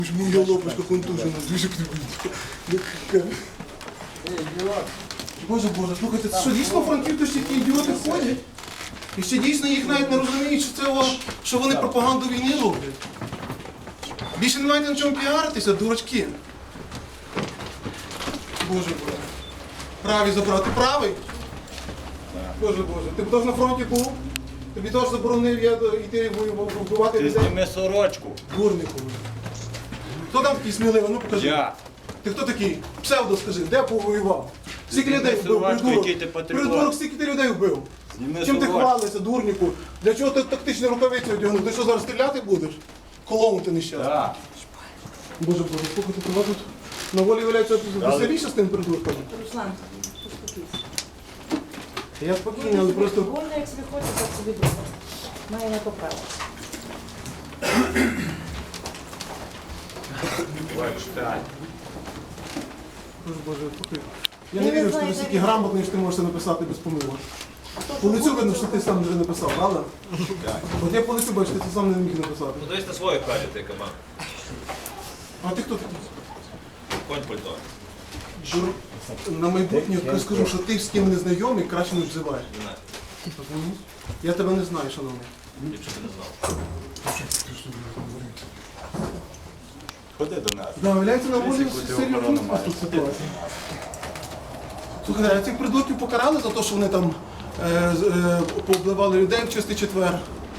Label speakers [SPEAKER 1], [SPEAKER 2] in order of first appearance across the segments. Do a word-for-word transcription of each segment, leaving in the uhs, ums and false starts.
[SPEAKER 1] Моя лапочка контужена, дуже кривий. Боже, Боже, слухайте, це що дійсно франківці такі ідіоти ходять? І ще дійсно їх навіть не розуміють, що це о, що вони пропаганду війни роблять. Більше не маєте на чому піаритися, дурачки. Боже, Боже. Правий забрати. Правий? Боже, Боже. Ти теж на фронті був? Тобі теж заборонив я йти вбивати
[SPEAKER 2] Ти
[SPEAKER 1] людей?
[SPEAKER 2] зніми сорочку.
[SPEAKER 1] Дурнику. Хто там такий сміливий? Ну покажи.
[SPEAKER 2] Я.
[SPEAKER 1] Ти хто такий? Псевдо скажи, де повоював? Скільки
[SPEAKER 2] Зніми
[SPEAKER 1] людей вбив,
[SPEAKER 2] сорочку,
[SPEAKER 1] придурок?
[SPEAKER 2] який ти патріот.
[SPEAKER 1] Придурок, скільки ти людей вбив?
[SPEAKER 2] Зніми
[SPEAKER 1] Чим ти
[SPEAKER 2] сорочку.
[SPEAKER 1] хвалишся, дурнику? Для чого ти тактичні рукавиці одягнув? Ти що, зараз стріляти будеш? Колону ти нещасний.
[SPEAKER 2] Так.
[SPEAKER 1] Боже, Боже, слухайте, тебе тут на волі валяється веселіше з тим придурком?
[SPEAKER 3] Руслан, успокійся.
[SPEAKER 1] Я спокійний, але просто...
[SPEAKER 3] Вольно, як собі хочеться, так собі буде. Має на то право.
[SPEAKER 2] Читай.
[SPEAKER 1] Боже, Боже, слухай. Я не вірю, що ти настільки грамотний, що ти можеш це написати без помилок. По лицю видно, що ти сам вже написав, правда? От я по лицю бачу, ти це сам не міг написати.
[SPEAKER 4] Подивись на свою Катю, ти кабан.
[SPEAKER 1] А ти хто такий?
[SPEAKER 4] Конь пальто.
[SPEAKER 1] На майбутнє я скажу, що ти з ким не знайомий, краще не вживай.
[SPEAKER 4] Не знаю.
[SPEAKER 1] Я тебе не знаю, шановний.
[SPEAKER 4] Ліпше би не знав.
[SPEAKER 2] Ходи до нас.
[SPEAKER 1] Да, виявляється, на волі
[SPEAKER 2] Яку ти охорону
[SPEAKER 1] серйозна
[SPEAKER 2] маєш?
[SPEAKER 1] тут ситуація. Слухай, а цих придурків покарали за те, що вони там е, з- е, повбивали людей в чистий четвер?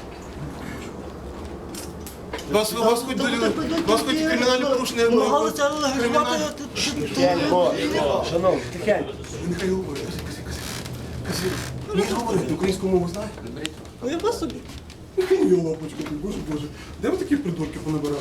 [SPEAKER 1] Вас, вас хоч до вас хоч кримінальні порушення
[SPEAKER 5] Намагалися
[SPEAKER 1] кримінальні...
[SPEAKER 5] легалізувати. Шановні, тихенько.
[SPEAKER 1] Нехай говорить, кажи, кажи, кажи. Кажи, він говорить, українську мову знає?
[SPEAKER 5] Ну я по собі.
[SPEAKER 1] Моя лапочка, ти, боже, боже. Де ви таких придурків понабирали?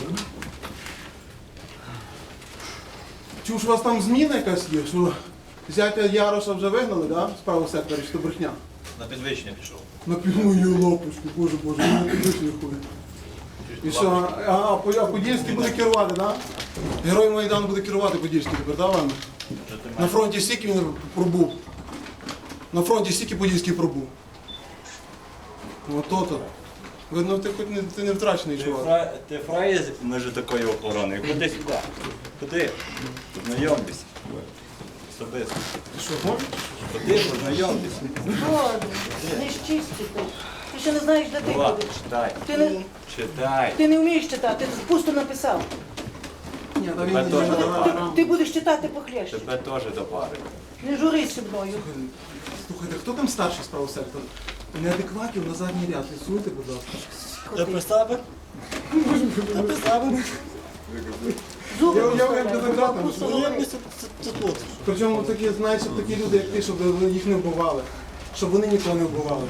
[SPEAKER 1] Чув, що у вас там зміна якась є, що зятя Яроша вже вигнали, да? З правого сектору, чи то брехня?
[SPEAKER 4] На підвищення пішов.
[SPEAKER 1] На пів мою лапочку, боже, боже, він на підвищення ходить. І що, а, а По- а Подільський буде керувати, да? Герой Майдану буде керувати Подільський тепер, да, Ваня? На фронті стільки він пробув. На фронті стільки Подільський пробув. Ото-то. Видно, ти хоч не, ти не втрачений
[SPEAKER 2] Ти,
[SPEAKER 1] чувак.
[SPEAKER 2] фра... ти фраєз межі такої охорони. Ходи сюди. Ходи. Познайомтесь. Особисто.
[SPEAKER 1] Ти що, можеш?
[SPEAKER 2] Ходи, познайомтесь.
[SPEAKER 3] Боже, не ж чисті ти. Ти ще не знаєш, де ти
[SPEAKER 2] Влад,
[SPEAKER 3] будеш.
[SPEAKER 2] читай.
[SPEAKER 3] Ти не,
[SPEAKER 2] Читай.
[SPEAKER 3] ти не вмієш читати, ти пусто написав.
[SPEAKER 1] Ні, та він
[SPEAKER 2] Тебе теж
[SPEAKER 1] не
[SPEAKER 2] до пари.
[SPEAKER 3] Ти будеш читати похлеще.
[SPEAKER 2] Тебе теж до пари.
[SPEAKER 3] Не журися мною.
[SPEAKER 1] Слухайте, хто там старший з правого сектору? Неадекватів на задній ряд. Лісуйте, будь ласка.
[SPEAKER 5] Я при себе. Я при себе.
[SPEAKER 3] Зуби
[SPEAKER 1] Я- я- я
[SPEAKER 3] поставляй,
[SPEAKER 1] тебе дратом,
[SPEAKER 3] просто
[SPEAKER 1] що
[SPEAKER 3] говори.
[SPEAKER 5] Це, це, це тут.
[SPEAKER 1] Причому такі, знаєш, щоб такі люди, як ти, щоб їх не вбивали. Щоб вони нікого не вбивали.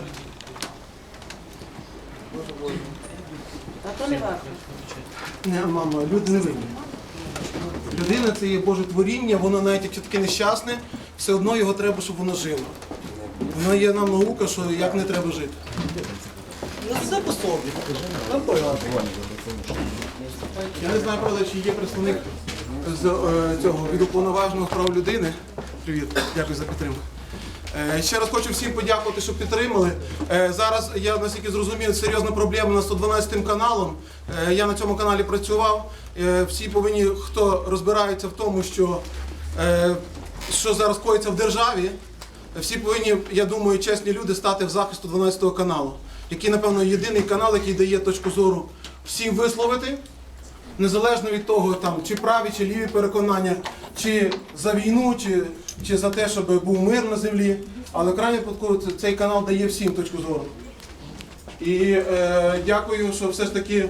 [SPEAKER 1] Боже, Боже.
[SPEAKER 3] А то не варто.
[SPEAKER 1] Не, мама, люди не винні. Людина це є Боже творіння, воно навіть якщо таке нещасне, все одно його треба, щоб воно жило. Воно є нам наука, що як не треба жити.
[SPEAKER 5] Ну все по собі. Нам погано.
[SPEAKER 1] Я не знаю, правда, чи є представник з е, цього від уповноваженого з прав людини. Привіт, дякую за підтримку. Е, ще раз хочу всім подякувати, що підтримали. Е, зараз я наскільки зрозумів, серйозна проблема на сто дванадцятим каналом. Е, я на цьому каналі працював. Е, всі повинні, хто розбирається в тому, що, е, що зараз коїться в державі, всі повинні, я думаю, чесні люди стати в захист сто дванадцятого каналу, який, напевно, єдиний канал, який дає точку зору всім висловити. Незалежно від того, там, чи праві, чи ліві переконання, чи за війну, чи, чи за те, щоб був мир на землі. Але в крайньому випадку це- цей канал дає всім точку зору. І е, дякую, що все ж таки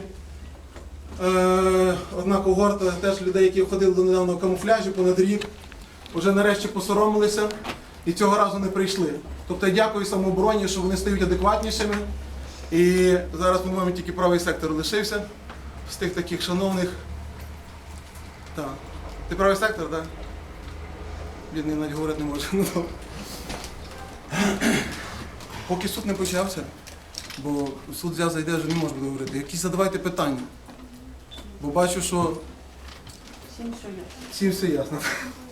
[SPEAKER 1] е, одна когорта теж людей, які ходили до недавнього камуфляжі понад рік, вже нарешті посоромилися і цього разу не прийшли. Тобто я дякую самообороні, що вони стають адекватнішими. І зараз, по-моєму, тільки правий сектор лишився. З тих таких шановних. Так. Ти правий сектор, так? Бідний навіть говорити не може. Ну, добре. Поки суд не почався, бо суд взяв зайде, вже не може буде говорити. Якісь задавайте питання. Бо бачу, що
[SPEAKER 3] Всім що є.
[SPEAKER 1] всім все ясно.